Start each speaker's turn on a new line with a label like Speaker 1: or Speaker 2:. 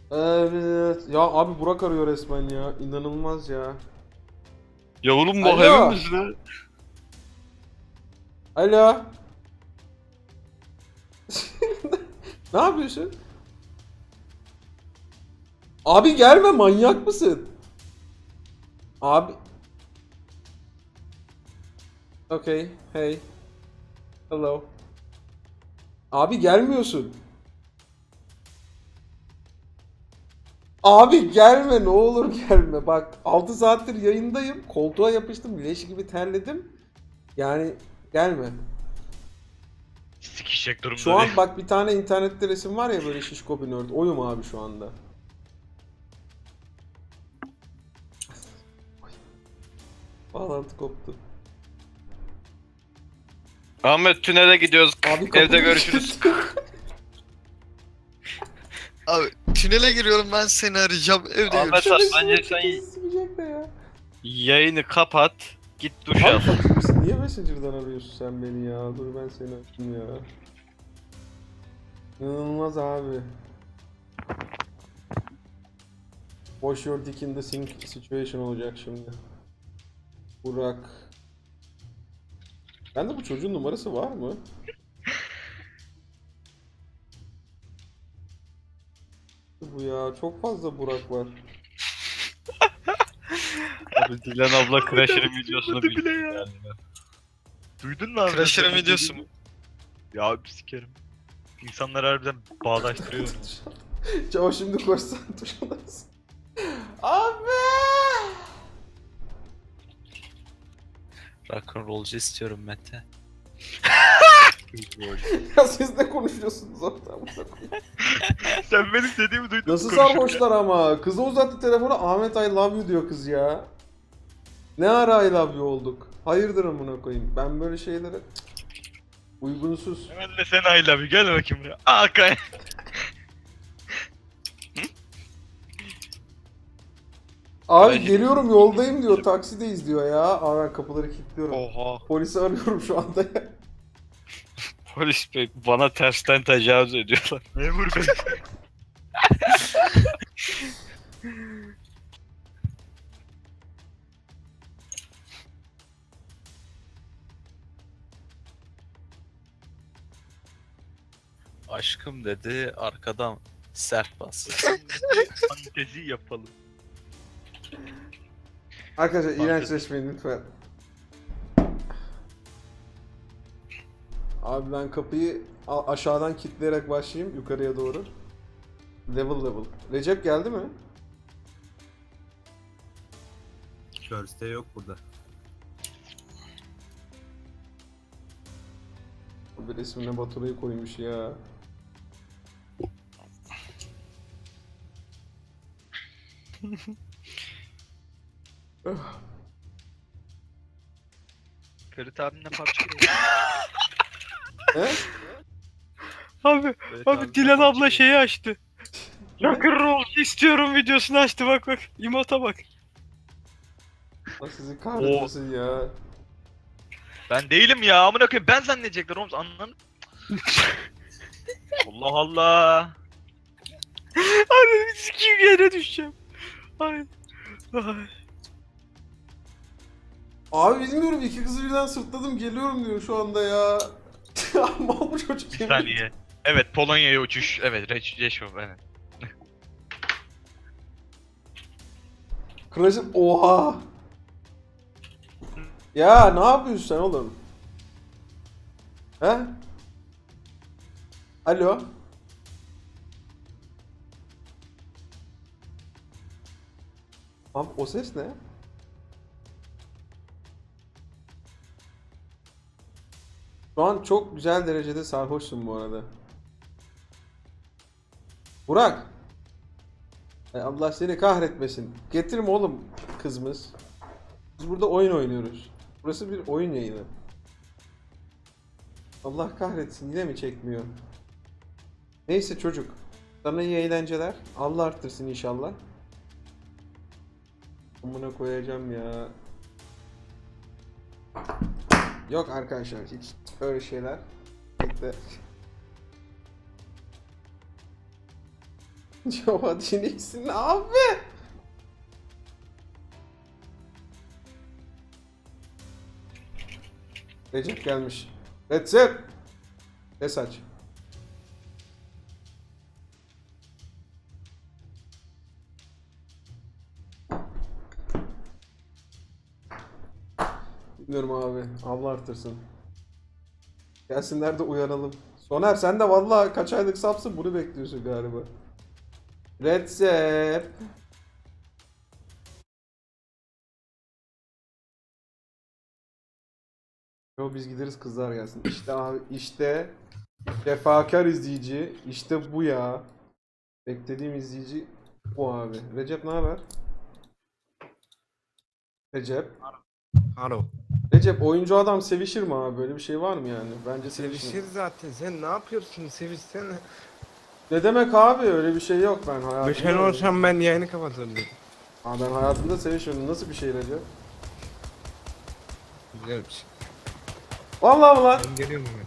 Speaker 1: Evet. Ya abi Burak arıyor resmen ya. İnanılmaz ya.
Speaker 2: Ya oğlum bu
Speaker 1: Alo.
Speaker 2: hayvan mısın ha?
Speaker 1: Alo. Ne yapıyorsun? Abi gelme, manyak mısın? Abi. Okay. Hey. Hello. Abi gelmiyorsun. Abi gelme, ne olur gelme. Bak 6 saattir yayındayım. Koltuğa yapıştım. Leş gibi terledim. Yani gelme.
Speaker 2: Sikişecek
Speaker 1: Şu
Speaker 2: durumda değil.
Speaker 1: an bak bir tane internette resim var ya, böyle şişko bir nerd. Oyum abi şu anda. Bağlantı koptu.
Speaker 2: Ahmet tünele gidiyoruz.
Speaker 1: Abi
Speaker 2: Evde
Speaker 1: kapıyı
Speaker 2: görüşürüz.
Speaker 1: kilitli.
Speaker 3: Abi tünele giriyorum, ben seni arayacağım, evde
Speaker 2: Ahmet
Speaker 3: görüşürüz.
Speaker 2: bence sen
Speaker 1: Sıkacak da ya.
Speaker 2: yayını kapat. Git duş
Speaker 1: Abi
Speaker 2: al.
Speaker 1: fakir misin? Niye Messenger'dan arıyorsun sen beni ya? Dur ben seni açayım ya. İnanılmaz abi. Wash your dick in the sink situation olacak şimdi. Burak. Bende bu çocuğun numarası var mı? Bu ya çok fazla Burak var.
Speaker 2: Abi Dilan abla Crasher'ın videosunu
Speaker 4: bile
Speaker 2: bildi
Speaker 4: ya.
Speaker 2: yani. Duydun mu abi?
Speaker 3: Crasher'ın videosu mu?
Speaker 4: Ya abi sikerim. İnsanlar harbiden bağdaştırıyor onu.
Speaker 1: O şimdi koşsan tuşundasın. Abi!
Speaker 2: Rock'n'rollcu istiyorum Mete.
Speaker 1: Ya siz ne konuşuyorsunuz orada?
Speaker 4: Sen benim dediğimi duydun
Speaker 1: Nasıl
Speaker 4: mu konuşurken?
Speaker 1: sarhoşlar ama? Kıza uzattı telefonu, Ahmet I love you diyor kız ya. Ne ara I love you olduk? Hayırdır amına koyayım. Ben böyle şeylere uygunsuz.
Speaker 4: Hemen de sen I love you, gel bakayım buraya. Kay.
Speaker 1: Abi
Speaker 2: Ben-
Speaker 1: geliyorum, yoldayım diyor, taksideyiz diyor ya. Aa, ben kapıları kilitliyorum.
Speaker 2: Oha.
Speaker 1: Polisi arıyorum şu anda ya.
Speaker 2: Polis bey bana tersten tecavüz ediyorlar.
Speaker 4: Memur bey.
Speaker 2: Aşkım dedi arkadan sert bas.
Speaker 4: Fantezi yapalım.
Speaker 1: Arkadaşlar
Speaker 4: Maalesef.
Speaker 1: iğrençleşmeyin lütfen. Abi ben kapıyı aşağıdan kilitleyerek başlayayım yukarıya doğru. Level level. Recep geldi mi?
Speaker 5: Körste yok burada.
Speaker 1: Bir resmine Baturay'ı koymuş ya.
Speaker 4: Ferit abimle PUBG.
Speaker 1: He?
Speaker 2: Abi
Speaker 4: Ferit
Speaker 2: abi
Speaker 4: abimle
Speaker 2: Dilan abla
Speaker 4: PUBG.
Speaker 2: şeyi açtı. Rock'n'rollcu istiyorum videosunu açtı bak. İmota bak.
Speaker 1: Allah sizi kahretmesin ya.
Speaker 4: Ben değilim ya, amına koyayım, ben zannedecekler oğlum, anladın? Allah Allah.
Speaker 2: Abi sikiyim yere düşeceğim. Ay. Ay.
Speaker 1: Abi bilmiyorum, iki kızı birden sırtladım geliyorum diyor şu anda ya. Mal bu çocuk
Speaker 4: Bir
Speaker 1: yemin
Speaker 4: saniye. Evet, Polonya'ya uçuş. Evet, Reşov, evet.
Speaker 1: Crash'ın oha. Ya ne yapıyorsun sen oğlum? He? Alo? Abi o ses ne? Şu an çok güzel derecede sarhoşsun bu arada. Burak! Allah seni kahretmesin. Getirme oğlum kızımız. Biz burada oyun oynuyoruz. Burası bir oyun yayını. Allah kahretsin, yine mi çekmiyor? Neyse çocuk. Sana iyi eğlenceler. Allah arttırsın inşallah. Amına koyacağım ya. Yok arkadaşlar, hiç öyle şeyler. Bekle. Jova Dinix'in abi. Recep gelmiş. Recep. Ses aç. Bilmiyorum abi. Allah artırsın. Gelsinler de uyaralım. Soner sen de vallahi kaç aylık sapsın bunu bekliyorsun galiba. Recep. Yo biz gideriz kızlar gelsin. İşte abi işte defakar izleyici. İşte bu ya. Beklediğim izleyici bu abi. Recep ne haber? Recep.
Speaker 6: Alo.
Speaker 1: Recep oyuncu adam sevişir mi abi? Böyle bir şey var mı yani? Bence
Speaker 6: Sevişir
Speaker 1: sevişir.
Speaker 6: zaten. Sen ne yapıyorsun? Sevişsene.
Speaker 1: Ne demek abi? Öyle bir şey yok ben hayatımda.
Speaker 6: Beşen olsam ben yayını kapatırdım.
Speaker 1: Abi ben hayatımda sevişiyorum. Nasıl bir şey Recep?
Speaker 6: Güzel bir şey.
Speaker 1: Vallahi mı lan?
Speaker 6: Ben geliyorum hemen.